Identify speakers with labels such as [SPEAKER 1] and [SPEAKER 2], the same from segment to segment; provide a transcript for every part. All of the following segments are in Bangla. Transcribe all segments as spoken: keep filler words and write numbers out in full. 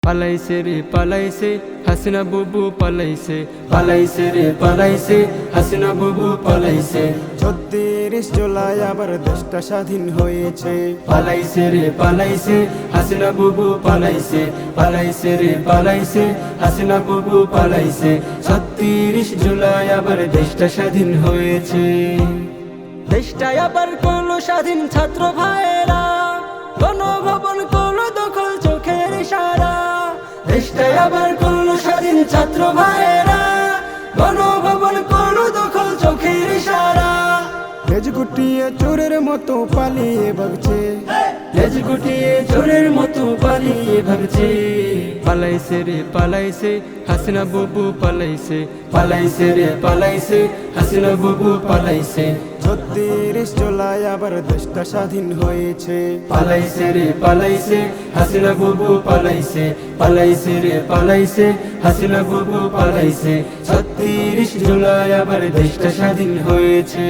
[SPEAKER 1] পালাইছে রে পালাইছে হাসিনা বুবু পালাইছে, পালাইছে রে পালাইছে হাসিনা বুবু পালাইছে।
[SPEAKER 2] ছত্রিশ জুলাই আবার দেশটা স্বাধীন হয়েছে।
[SPEAKER 1] পালাইছে রে পালাইছে হাসিনা বুবু পালাইছে, পালাইছে রে পালাইছে হাসিনা বুবু পালাইছে। ছত্রিশ জুলাই আবার দেশটা স্বাধীন হয়েছে।
[SPEAKER 3] দেশটা আবার করলো স্বাধীন ছাত্র ভাইয়েরা, গণভবন করলো দখল চোখের ইশারা।
[SPEAKER 1] দেশটা আবার করলো স্বাধীন ছাত্র ভাইয়েরা, গণভবন করলো দখল চোখের ইশারা।
[SPEAKER 2] লেজ গুটিয়ে চোরের মতো পালিয়ে ভাগছে,
[SPEAKER 1] লেজ গুটিয়ে চোরের মতো পালিয়ে ভাগছে। পালাইছে রে পালাইছে হাসিনা বুবু পালাইছে, পালাইছে রে পালাইছে হাসিনা বুবু পালাইছে।
[SPEAKER 2] ছত্রিশ জুলাই আবার দেশটা স্বাধীন হয়েছে।
[SPEAKER 1] পালাইছে রে পালাইছে হাসিনা বুবু পালাইছে, পালাইছে রে পালাইছে হাসিনা বুবু পালাইছে। ছত্রিশ জুলাই আবার দেশটা স্বাধীন হয়েছে।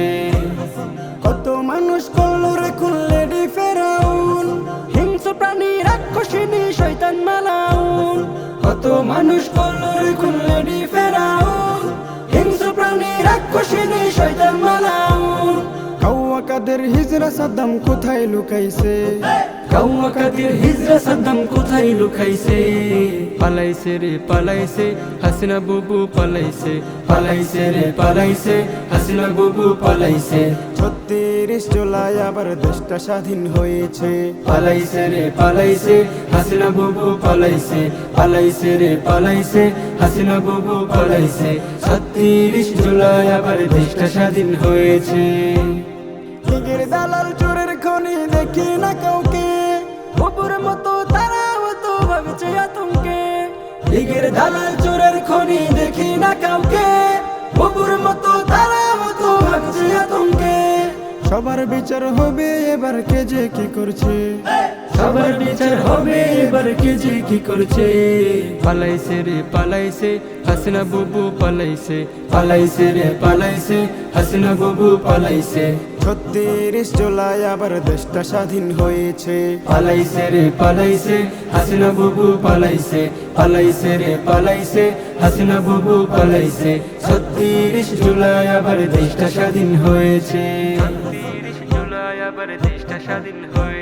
[SPEAKER 2] কত মানুষ করলো রে খুললে ডি ফেরাউন,
[SPEAKER 3] হিংস্র প্রাণী রাক্ষসিনী শয়তান মালাউন।
[SPEAKER 1] কত মানুষ করলো রে খুললে ডি ফেরাউন, হিংস্র প্রাণী রাক্ষসিনী শয়তান মালাউন।
[SPEAKER 2] কাউয়া কাদের হিজরা সাদ্দাম কোথায় লুকাইছে,
[SPEAKER 1] কাউয়া কাদের হিজরা সাদ্দাম কোথায় লুকাইছে। পালাইছে রে পালাইছে হাসিনা বুবু পালাইছে, পালাইছে রে পালাইছে হাসিনা বুবু পালাইছে।
[SPEAKER 2] ছত্রিশ জুলাই আবার দেশটা স্বাধীন হয়েছে।
[SPEAKER 1] পালাইছে রে পালাইছে হাসিনা বুবু পালাইছে, পালাইছে রে পালাইছে হাসিনা বুবু পালাইছে। ছত্রিশ জুলাই আবার দেশটা স্বাধীন হয়েছে।
[SPEAKER 2] লীগের দালাল চোরের খনি দেখি না কাউকে,
[SPEAKER 3] বুবুর মতো তারা হতো ভাবছে আতঙ্কে।
[SPEAKER 1] লীগের দালাল চোরের খনি দেখি না কাউকে, বুবুর মতো তারা হতো ভাবছে আতঙ্কে।
[SPEAKER 2] সবার বিচার হবে এবার কে যে কি করছে,
[SPEAKER 1] সবার বিচার হবে এবার কে যে কি করছে। পালাইছে রে পালাইছে হাসিনা বুবু পালাইছে, পালাইছে রে পালাইছে হাসিনা বুবু পালাইছে।
[SPEAKER 2] ছত্রিশ জুলাই আবার দেশটা স্বাধীন হয়েছে।
[SPEAKER 1] পালাইছে রে পালাইছে হাসিনা বুবু পালাইছে, পালাইছে রে পালাইছে হাসিনা বুবু পালাইছে। ছত্রিশ জুলাই আবার দেশটা স্বাধীন হয়েছে। ছত্রিশ জুলাই আবার দেশটা স্বাধীন হয়েছে।